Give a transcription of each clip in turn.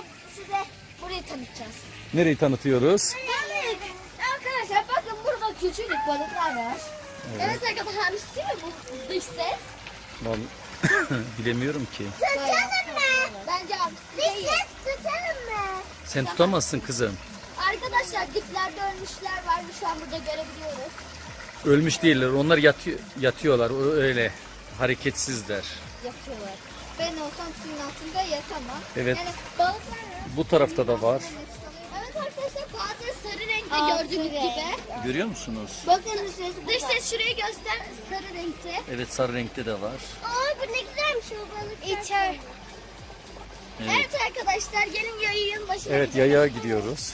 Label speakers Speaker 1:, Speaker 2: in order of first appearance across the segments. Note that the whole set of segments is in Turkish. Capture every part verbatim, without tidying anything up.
Speaker 1: size burayı tanıtacağız.
Speaker 2: Nereyi tanıtıyoruz?
Speaker 1: Evet. Arkadaşlar bakın burada küçük balıklar var.
Speaker 2: Evet.
Speaker 1: Evet, arkadaşlar hamsi mi bu dış ses?
Speaker 2: Vallahi bilemiyorum ki.
Speaker 1: Tutalım mı? Bence hamsi değil. Dış ses tutalım mı?
Speaker 2: Sen tutamazsın kızım.
Speaker 1: Arkadaşlar diplerde ölmüşler var. Şu an burada görebiliyoruz.
Speaker 2: Ölmüş değiller. Onlar yatıyor, yatıyorlar. Öyle hareketsizler.
Speaker 1: Yatıyorlar. Ben olsam suyun altında yatamam.
Speaker 2: Evet.
Speaker 1: Yani balıklar var.
Speaker 2: Bu tarafta da var.
Speaker 1: Evet arkadaşlar, bazı sarı renkte gördüğünüz gibi.
Speaker 2: Görüyor musunuz?
Speaker 1: Bakın dış ses şurayı göster, sarı renkte.
Speaker 2: Evet, sarı renkte de var.
Speaker 1: Aa, bu ne güzelmiş o balık. İçer. Evet. Evet arkadaşlar, gelin yayın başına
Speaker 2: Evet,
Speaker 1: gidelim.
Speaker 2: yaya gidiyoruz.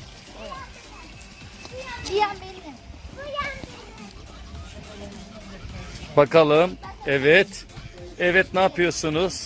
Speaker 1: Cihan benim.
Speaker 2: Bakalım. Evet. Evet, ne yapıyorsunuz?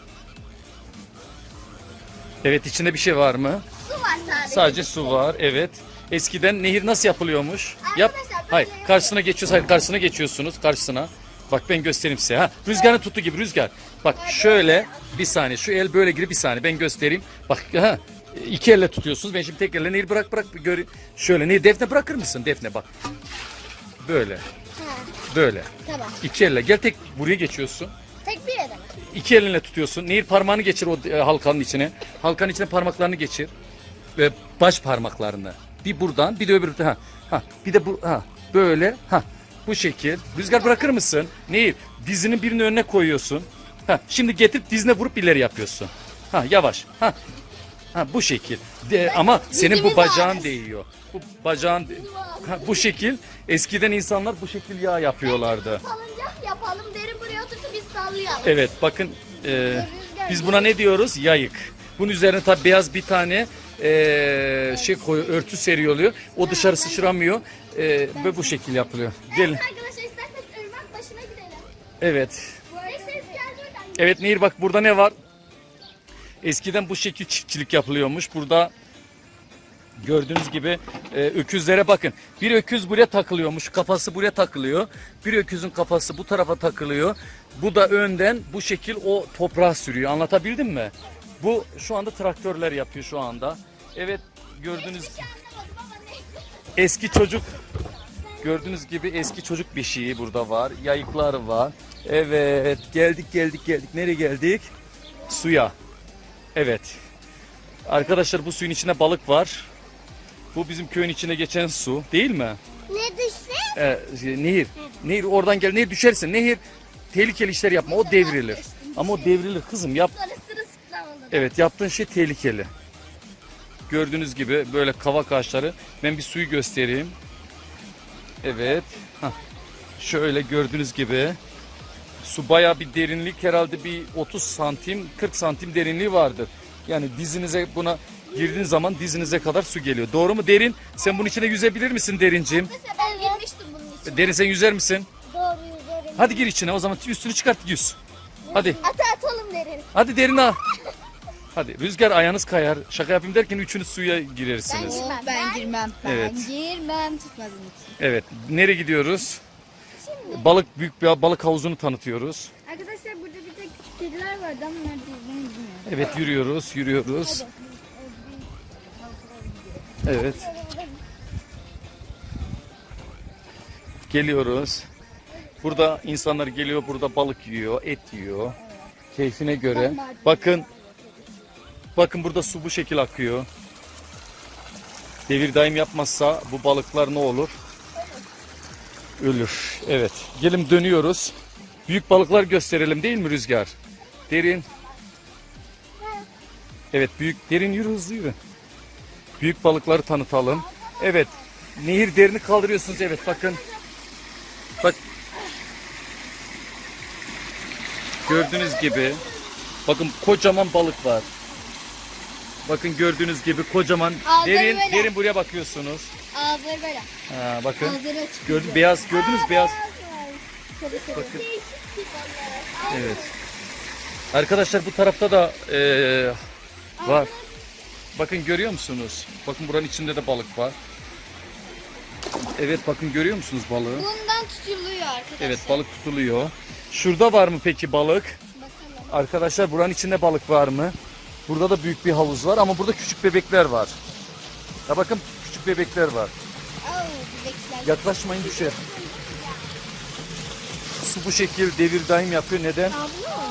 Speaker 2: Evet, içinde bir şey var mı?
Speaker 1: Su var sadece.
Speaker 2: Sadece su var. Evet. Eskiden nehir nasıl yapılıyormuş? Yap.
Speaker 1: Arkadaşlar, böyle
Speaker 2: Hayır,
Speaker 1: yapıyoruz.
Speaker 2: karşısına geçiyoruz. Hayır, karşısına geçiyorsunuz. Karşısına. Bak ben göstereyim size. Ha, rüzgarın tuttuğu gibi rüzgar. Bak şöyle bir saniye. Şu el böyle girip bir saniye ben göstereyim. Bak ha. İki elle tutuyorsunuz. Ben şimdi tek elle nehir bırak bırak bir göreyim. Şöyle nehir, Defne bırakır mısın? Defne bak. Böyle.
Speaker 1: Ha,
Speaker 2: Böyle.
Speaker 1: tamam.
Speaker 2: İki elle. Gel tek buraya geçiyorsun.
Speaker 1: Tek bir edemem.
Speaker 2: İki elinle tutuyorsun. Nehir parmağını geçir o e, halkanın içine. Halkanın içine parmaklarını geçir. Ve baş parmaklarını. Bir buradan bir de öbür ha. Ha bir de bu ha böyle ha bu şekil. Rüzgar bırakır mısın? Nehir dizinin birini önüne koyuyorsun. Ha şimdi getirip dizine vurup ileri yapıyorsun. Ha yavaş. Ha. Ha bu şekil. De, ama senin bu
Speaker 1: dizimiz
Speaker 2: bacağın
Speaker 1: ağrır.
Speaker 2: değiyor. Bu bacağın ha, bu şekil. Eskiden insanlar bu şekil yağ yapıyorlardı.
Speaker 1: Salıncak yapalım, derin buraya otursun, biz sallayalım.
Speaker 2: Evet bakın e, biz buna ne diyoruz? Yayık. Bunun üzerine tabi beyaz bir tane e, şey koyu örtü seriyor oluyor. O dışarı sıçramıyor e, ve bu şekil yapılıyor. Gelin.
Speaker 1: Evet arkadaşlar, isterseniz ırmak başına gidelim.
Speaker 2: Evet.
Speaker 1: Dış ses geldi oradan.
Speaker 2: Evet Nehir bak burada ne var? Eskiden bu şekil çiftçilik yapılıyormuş. Burada gördüğünüz gibi e, öküzlere bakın. Bir öküz buraya takılıyormuş. Kafası buraya takılıyor. Bir öküzün kafası bu tarafa takılıyor. Bu da önden bu şekil o toprağa sürüyor. Anlatabildim mi? Bu şu anda traktörler yapıyor şu anda. Evet gördüğünüz
Speaker 1: Hiç anlamadım ama neyse.
Speaker 2: eski çocuk gördüğünüz gibi eski çocuk beşiği burada var. Yayıklar var. Evet geldik geldik geldik. Nereye geldik? Suya. Evet. Arkadaşlar bu suyun içinde balık var. Bu bizim köyün içine geçen su değil mi?
Speaker 1: Ne dış ses?
Speaker 2: Ee, nehir. Nehir oradan gel. Nehir düşersin. Nehir tehlikeli işler yapma. O devrilir. Ama o devrilir kızım. Yap.
Speaker 1: Sonra sırılsıklam olur.
Speaker 2: Evet yaptığın şey tehlikeli. Gördüğünüz gibi böyle kavak ağaçları. Ben bir suyu göstereyim. Evet. Hah. Şöyle gördüğünüz gibi. Su bayağı bir derinlik, herhalde bir otuz santim kırk santim derinliği vardır. Yani dizinize buna girdiğin zaman dizinize kadar su geliyor. Doğru mu Derin? Sen bunun içine yüzebilir misin Derinciğim?
Speaker 1: Mesela ben girmiştim bunun için.
Speaker 2: Derin sen yüzer misin?
Speaker 1: Doğru yüzerim.
Speaker 2: Hadi gir içine o zaman üstünü çıkart yüz. Hadi.
Speaker 1: Ata atalım derin.
Speaker 2: Hadi Derin al. Hadi Rüzgar ayağınız kayar. Şaka yapayım derken üçünüz suya girersiniz.
Speaker 1: Ben-
Speaker 3: Oh, ben girmem. Ben
Speaker 2: Evet.
Speaker 3: girmem tutmadığım için.
Speaker 2: Evet. Nereye gidiyoruz? Balık büyük bir balık havuzunu tanıtıyoruz.
Speaker 3: Arkadaşlar burada bir tek küçük kediler vardı ama nerede yüzmeyi bilmiyorum.
Speaker 2: Evet yürüyoruz, yürüyoruz. Evet. Geliyoruz. Burada insanlar geliyor, burada balık yiyor, et yiyor. Keyfine göre. Bakın. Bakın burada su bu şekil akıyor. Devir daim yapmazsa bu balıklar ne olur? Ölür. Evet. Gelin dönüyoruz. Büyük balıklar gösterelim değil mi Rüzgar? Derin. Evet büyük. Derin yürü hızlı yürü. Büyük balıkları tanıtalım. Evet. Nehir derini kaldırıyorsunuz. Evet bakın. Bak. Gördüğünüz gibi. Bakın kocaman balık var. Bakın gördüğünüz gibi kocaman.
Speaker 3: Ağzları
Speaker 2: Derin,
Speaker 3: böyle.
Speaker 2: derin buraya bakıyorsunuz.
Speaker 3: Ağızları böyle.
Speaker 2: Ha, bakın.
Speaker 3: Ağızları açık.
Speaker 2: Gördün beyaz gördünüz beyaz.
Speaker 3: Sarı sarı.
Speaker 2: Bakın. Evet. Arkadaşlar bu tarafta da eee, var. Bakın görüyor musunuz? Bakın buranın içinde de balık var. Evet bakın görüyor musunuz balığı?
Speaker 3: Bundan tutuluyor arkadaşlar.
Speaker 2: Evet balık tutuluyor. Şurada var mı peki balık?
Speaker 3: Bakalım.
Speaker 2: Arkadaşlar buranın içinde balık var mı? Burada da büyük bir havuz var ama burada küçük bebekler var. Ya bakın küçük bebekler var.
Speaker 1: Oo, bebekler.
Speaker 2: Yaklaşmayın düşer. Su bu şekil devir daim yapıyor. Neden?
Speaker 1: Abla.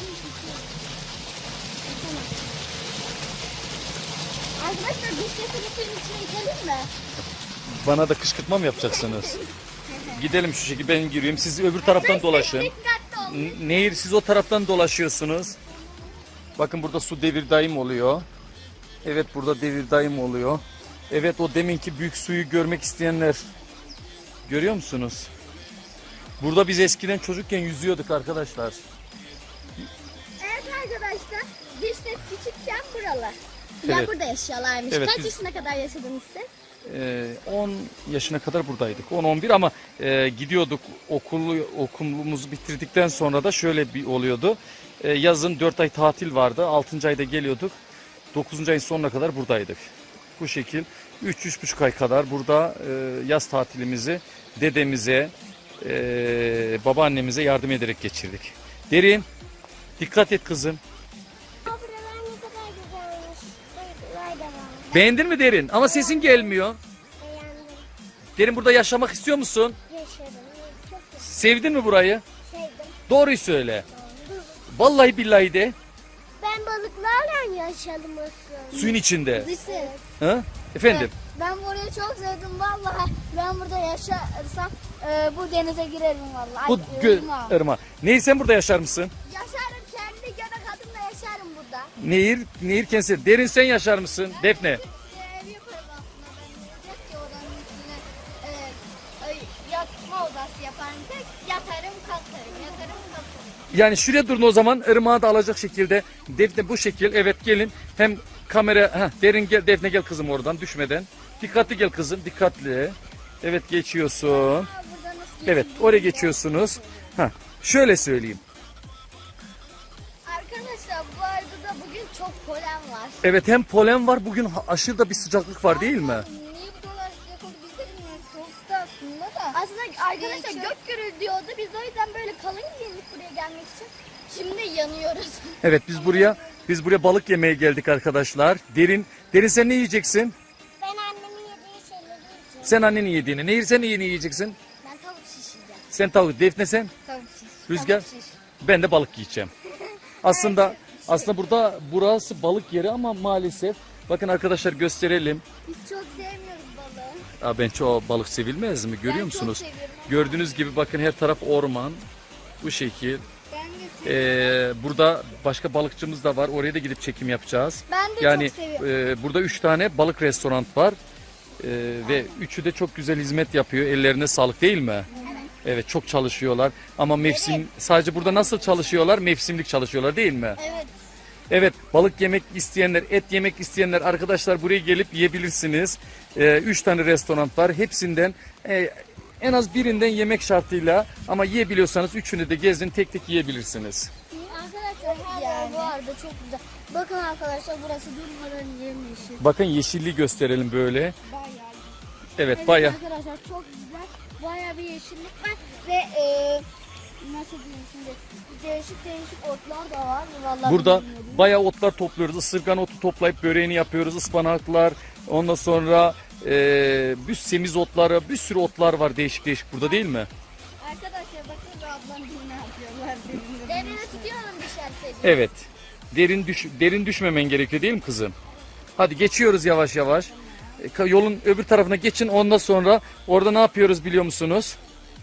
Speaker 1: Arkadaşlar biz sesini suyun içine itelim mi?
Speaker 2: Bana da kışkırtma mı yapacaksınız? Gidelim şu şekilde, ben gireyim. Siz öbür taraftan dolaşın.
Speaker 1: Dikkatli olun.
Speaker 2: N- Nehir, siz o taraftan dolaşıyorsunuz. Bakın burada su devir daim oluyor. Evet, burada devir daim oluyor. Evet, o deminki büyük suyu görmek isteyenler. Görüyor musunuz? Burada biz eskiden çocukken yüzüyorduk arkadaşlar.
Speaker 1: Evet arkadaşlar, biz de küçükken buralar. Ya
Speaker 2: Evet.
Speaker 1: burada yaşıyorlarmış.
Speaker 2: Evet,
Speaker 1: Kaç
Speaker 2: biz-
Speaker 1: yaşına kadar yaşadınız siz?
Speaker 2: Ee, on yaşına kadar buradaydık. on on bir ama e, gidiyorduk, okulu okulumuzu bitirdikten sonra da şöyle bir oluyordu. E, yazın dört ay tatil vardı. altıncı ayda geliyorduk. dokuzuncu ayın sonuna kadar buradaydık. Bu şekil üç üç buçuk ay kadar burada e, yaz tatilimizi dedemize, e, babaannemize yardım ederek geçirdik. Derin, dikkat et kızım.
Speaker 1: Buralar ne kadar güzelmiş. Buralar da var.
Speaker 2: Beğendin mi Derin? Ama sesin gelmiyor.
Speaker 1: Beğendim.
Speaker 2: Derin, burada yaşamak istiyor musun?
Speaker 1: Yaşadım. Çok
Speaker 2: Sevdin mi burayı?
Speaker 1: sevdim.
Speaker 2: Doğruyu söyle. Vallahi billahi de.
Speaker 1: Ben balıklarla yaşadım aslında.
Speaker 2: Suyun içinde.
Speaker 1: Lise.
Speaker 2: Ha? Efendim?
Speaker 1: Ben burayı çok sevdim vallahi. Ben burada yaşarsam e, bu denize girerim vallahi.
Speaker 2: Bu
Speaker 1: Ay,
Speaker 2: gö-
Speaker 1: ırmağa.
Speaker 2: ırma. Nehir, sen burada yaşar mısın?
Speaker 1: Yaşarım, kendi göbek adımla yaşarım burada.
Speaker 2: Nehir, Nehir kendisi. Derin, sen yaşar mısın? Defne.
Speaker 1: Ev yaparım aslında ben. Yok ki oranın üstüne e, ay, yatma odası yaparım. Tek yatarım kalkarım, yatarım kalkarım.
Speaker 2: Yani şuraya durun o zaman, ırmağı da alacak şekilde. Defne bu şekil. Evet, gelin. Hem kamera, heh, Derin gel, Defne gel kızım oradan düşmeden. Dikkatli gel kızım, dikkatli. Evet, geçiyorsun.
Speaker 1: Aa, burada nasıl
Speaker 2: Evet,
Speaker 1: geçeyim?
Speaker 2: oraya geçiyorsunuz. Ha, şöyle söyleyeyim.
Speaker 1: Arkadaşlar bu arada da bugün çok polen var.
Speaker 2: Evet, hem polen var, bugün ha- aşırı da bir sıcaklık var değil mi?
Speaker 1: Niye bu kadar sıcak oldu biz de bilmiyoruz. Soğuktu aslında da. Aslında arkadaşlar gök gürül diyordu. Biz de o yüzden böyle kalın giyindik buraya gelmek için. Şimdi yanıyoruz.
Speaker 2: Evet, biz buraya biz buraya balık yemeye geldik arkadaşlar. Derin, Derin sen ne yiyeceksin?
Speaker 1: Ben annemin yediği şeyleri yiyeceğim.
Speaker 2: Sen annenin yediğini. Nehir, sen ne yiyeceksin?
Speaker 1: Ben tavuk şişireceğim.
Speaker 2: Sen tavuk. Defne sen?
Speaker 1: Tavuk şiş.
Speaker 2: Rüzgar?
Speaker 1: Tavuk şiş.
Speaker 2: Ben de balık yiyeceğim. Aslında aslında burada burası balık yeri ama maalesef bakın arkadaşlar, gösterelim.
Speaker 1: Biz çok sevmiyoruz balığı.
Speaker 2: Aa, ben çok balık sevilmez mi? Görüyor
Speaker 1: Ben
Speaker 2: musunuz?
Speaker 1: çok seviyorum ama
Speaker 2: Gördüğünüz gibi bakın, her taraf orman. Bu şekil.
Speaker 1: Ben de seviyorum.
Speaker 2: Ee, burada başka balıkçımız da var. Oraya da gidip çekim yapacağız.
Speaker 1: Ben de
Speaker 2: Yani
Speaker 1: çok seviyorum.
Speaker 2: e, burada üç tane balık restoran var. E, ve üçü de çok güzel hizmet yapıyor. Ellerine sağlık değil mi? Evet, çok çalışıyorlar. Ama mevsim sadece burada nasıl çalışıyorlar? Mevsimlik çalışıyorlar değil mi?
Speaker 1: Evet.
Speaker 2: Evet, balık yemek isteyenler, et yemek isteyenler arkadaşlar buraya gelip yiyebilirsiniz. E, üç tane restoran var. Hepsinden e, en az birinden yemek şartıyla, ama yiyebiliyorsanız üçünü de gezin, tek tek yiyebilirsiniz.
Speaker 1: Arkadaşlar her yer bu arada çok güzel. Bakın arkadaşlar burası durmadan yemyeşil.
Speaker 2: Bakın, yeşilliği gösterelim böyle.
Speaker 1: Bayağı.
Speaker 2: Evet,
Speaker 1: Evet
Speaker 2: bayağı.
Speaker 1: arkadaşlar çok güzel. Bayağı bir yeşillik var ve e, nasıl diyeyim şimdi değişik değişik otlar da var. Vallahi
Speaker 2: Burada
Speaker 1: bilmiyorum.
Speaker 2: bayağı otlar topluyoruz. Isırgan otu toplayıp böreğini yapıyoruz. Ispanaklar, ondan sonra e, bir semiz otları, bir sürü otlar var değişik değişik burada değil mi?
Speaker 1: Arkadaşlar bakın da ablam bir ne yapıyorlar. Derine tutuyorum düşerse.
Speaker 2: Evet. Derin düş derin düşmemen gerekiyor değil mi kızım? Hadi geçiyoruz yavaş yavaş. E, ka- Yolun öbür tarafına geçin, ondan sonra orada ne yapıyoruz biliyor musunuz?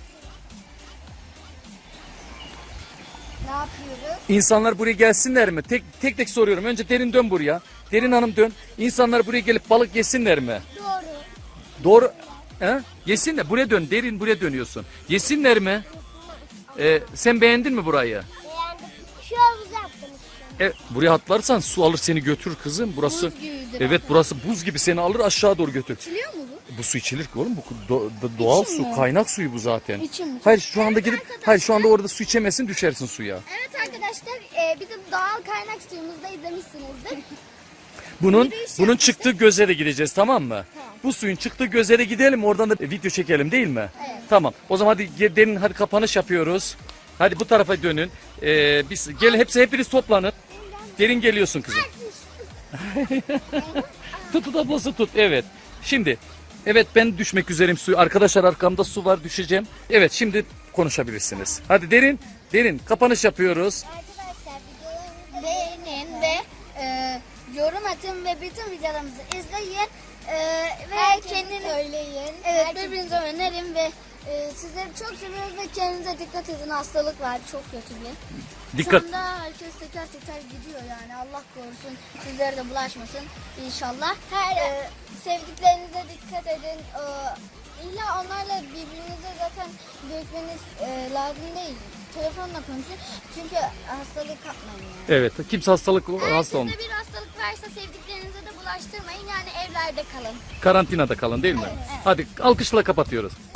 Speaker 1: Ne yapıyoruz?
Speaker 2: İnsanlar buraya gelsinler mi? Tek tek tek soruyorum. Önce Derin dön buraya. Derin Hanım dön. İnsanlar buraya gelip balık yesinler mi?
Speaker 1: Doğru.
Speaker 2: Doğru. He? Yesinler. Buraya dön. Derin, buraya dönüyorsun. Yesinler mi? Ee, sen beğendin mi burayı?
Speaker 1: Beğendim. Şu havuzu yaptım işte.
Speaker 2: E, buraya atlarsan su alır seni götürür kızım. Burası
Speaker 1: Buz gibidir
Speaker 2: evet, burası buz gibi seni alır aşağı doğru götür.
Speaker 1: Biliyor mu bu?
Speaker 2: Bu su içilir ki oğlum. Bu do- do- doğal
Speaker 1: İçim
Speaker 2: su,
Speaker 1: mi?
Speaker 2: kaynak suyu bu zaten.
Speaker 1: İçim mi?
Speaker 2: Hayır, şu anda gidip hayır şu anda orada su içemezsin, düşersin suya.
Speaker 1: Evet arkadaşlar e, bizim doğal kaynak suyumuzda izlemişsinizdir.
Speaker 2: Bunun
Speaker 1: Yürüyüş
Speaker 2: bunun
Speaker 1: yapmıştık.
Speaker 2: çıktığı göze de gideceğiz, tamam mı? Bu suyun çıktığı göze de gidelim, oradan da video çekelim değil mi?
Speaker 1: Evet.
Speaker 2: Tamam. O zaman hadi ge- derin, hadi kapanış yapıyoruz. Hadi bu tarafa dönün. Ee, biz gel, hepsi hepiniz toplanın. Derin geliyorsun kızım.
Speaker 1: İşte
Speaker 2: Tut ablası tut. Evet. Şimdi evet ben düşmek üzereyim su. Arkadaşlar arkamda su var düşeceğim. Evet şimdi konuşabilirsiniz. Hadi derin derin kapanış yapıyoruz.
Speaker 1: Arkadaşlar videolarımızı beğenin ve e, yorum atın ve bütün videolarımızı izleyin. E, ve kendiniz söyleyin. Evet birbirinize önerin ve e, sizleri çok seviyoruz ve kendinize dikkat edin. Hastalık var çok kötü bir.
Speaker 2: Dikkat.
Speaker 1: Şu anda herkes teker teker gidiyor yani Allah korusun sizlere de bulaşmasın inşallah. Her e, sevdiklerinize dikkat edin. E, illa onlarla birbirinize zaten görüşmeniz e, lazım değil. Telefonla konuşun çünkü hastalık kapmayın yani.
Speaker 2: Evet kimse hastalık
Speaker 1: Eğer
Speaker 2: hasta olmuş.
Speaker 1: sizde bir hastalık varsa sevdiklerinize de bulaştırmayın yani evlerde kalın.
Speaker 2: Karantinada kalın değil mi?
Speaker 1: Evet, evet.
Speaker 2: Hadi alkışla kapatıyoruz.